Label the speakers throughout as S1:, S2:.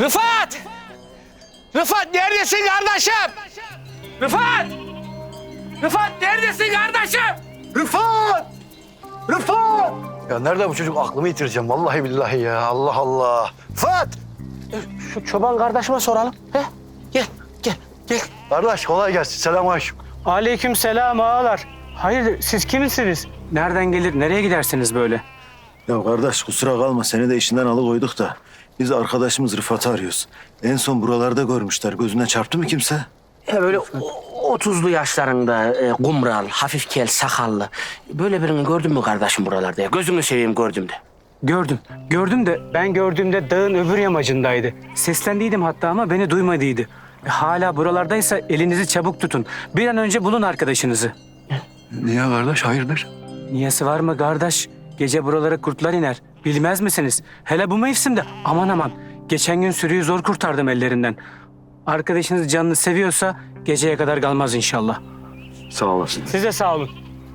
S1: Rıfat! Rıfat neredesin kardeşim? Rıfat! Rıfat neredesin kardeşim?
S2: Rıfat! Rıfat! Ya nerede bu çocuk? Aklımı yitireceğim vallahi billahi ya. Allah Allah. Rıfat!
S1: Şu çoban kardeşime soralım. He? Gel, gel, gel.
S2: Kardeş kolay gelsin. Selamünaleyküm.
S3: Aleyküm selam ağalar. Hayır siz kimsiniz? Nereden gelir, nereye gidersiniz böyle?
S4: Ya kardeş kusura kalma seni de işinden alıkoyduk da biz arkadaşımız Rıfat'ı arıyoruz. En son buralarda görmüşler. Gözüne çarptı mı kimse?
S1: Ya böyle 30'lu yaşlarında kumral, hafif kel, sakallı. Böyle birini gördün mü kardeşim buralarda ya? Gözünü seveyim gördüm de.
S3: Gördüm. Gördüm de ben gördüğümde dağın öbür yamacındaydı. Seslendiydim hatta ama beni duymadıydı. Hala buralardaysa elinizi çabuk tutun. Bir an önce bulun arkadaşınızı.
S2: Niye kardeş? Hayırdır?
S3: Niyesi var mı kardeş? Gece buralara kurtlar iner. Bilmez misiniz? Hele bu mevsimde aman aman. Geçen gün sürüyü zor kurtardım ellerinden. Arkadaşınız canını seviyorsa geceye kadar kalmaz inşallah.
S2: Sağ olasın.
S3: Size sağ olun.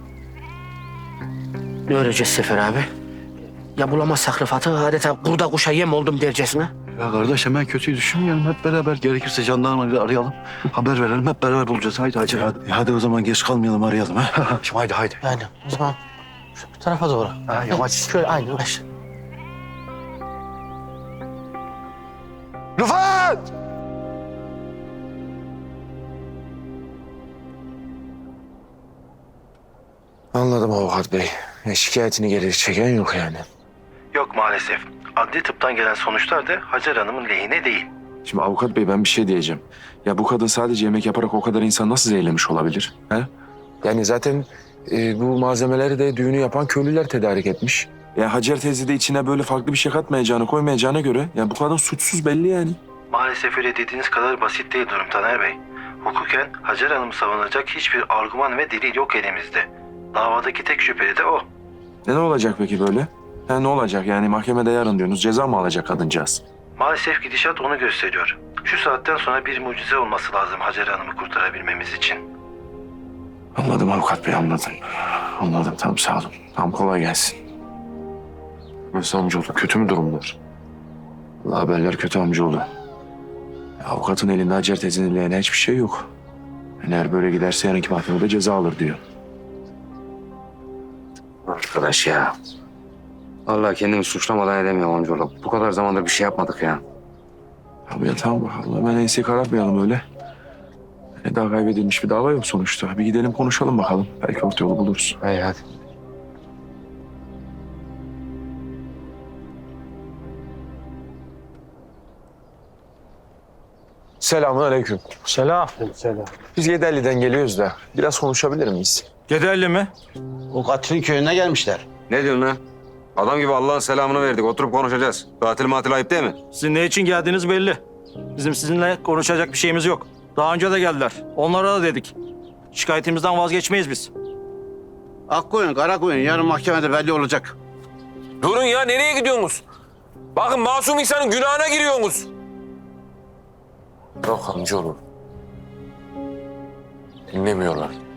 S1: Ne öreceğiz Sefer abi? Ya bulamazsak Rıfat'ı adeta kurda kuşa yem oldum dercesine.
S2: Ya kardeş hemen kötüyü düşünmeyelim. Hep beraber gerekirse jandarmayı arayalım. Haber verelim. Hep beraber bulacağız. Haydi hadi.
S4: Hadi o zaman geç kalmayalım arayalım ha.
S2: Şimdi haydi haydi.
S1: Yani o zaman şu tarafa doğru.
S2: Ha, yamaç.
S1: Şöyle aynı baş.
S2: Rıfat!
S5: Anladım avukat bey. Şikayetini geri çeken yok yani.
S4: Yok maalesef. Adli tıptan gelen sonuçlar da Hacer Hanım'ın lehine değil.
S5: Şimdi avukat bey ben bir şey diyeceğim. Ya bu kadın sadece yemek yaparak o kadar insan nasıl zehirlemiş olabilir? He? Yani zaten bu malzemeleri de düğünü yapan köylüler tedarik etmiş. Ya Hacer teyze de içine böyle farklı bir şey katmayacağını, koymayacağına göre ya bu kadın suçsuz belli yani.
S4: Maalesef öyle dediğiniz kadar basit değil durum Taner Bey. Hukuken Hacer Hanım'ı savunacak hiçbir argüman ve delil yok elimizde. Davadaki tek şüpheli de o.
S5: Ne olacak peki böyle? Ha, ne olacak yani mahkemede yarın diyorsunuz ceza mı alacak kadıncağız?
S4: Maalesef gidişat onu gösteriyor. Şu saatten sonra bir mucize olması lazım Hacer Hanım'ı kurtarabilmemiz için.
S5: Anladım avukat bey anladım. Anladım tamam sağ olun. Tamam kolay gelsin. Nasıl amcaoğlu kötü mü durumlar? Vallahi haberler kötü amcaoğlu. Ya, avukatın elinde Hacer teyzenin lehine hiçbir şey yok. Yani eğer böyle giderse yarınki mahkemede ceza alır diyor.
S6: Arkadaş ya. Vallahi kendimi suçlamadan edemiyorum amcaoğlu. Bu kadar zamandır bir şey yapmadık ya.
S5: Abi ya tamam bakalım hemen enseyi karartmayalım öyle. Yani daha kaybedilmiş bir dava yok sonuçta. Bir gidelim konuşalım bakalım. Belki orta yolu buluruz.
S6: Hey hadi.
S5: Selamun aleyküm.
S3: Selam.
S5: Biz Yedelli'den geliyoruz da biraz konuşabilir miyiz?
S7: Gederli mi?
S8: O katilin köyüne gelmişler.
S6: Ne diyorsun lan? Adam gibi Allah'ın selamını verdik. Oturup konuşacağız. Tatil ayıp değil mi?
S7: Sizin ne için geldiğiniz belli. Bizim sizinle konuşacak bir şeyimiz yok. Daha önce de geldiler. Onlara da dedik. Şikayetimizden vazgeçmeyiz biz.
S8: Akkoyun, Karakoyun yarın mahkemede belli olacak.
S9: Durun ya nereye gidiyorsunuz? Bakın masum insanın günahına giriyorsunuz.
S5: Yok amcaoğlu. Dinlemiyorlar.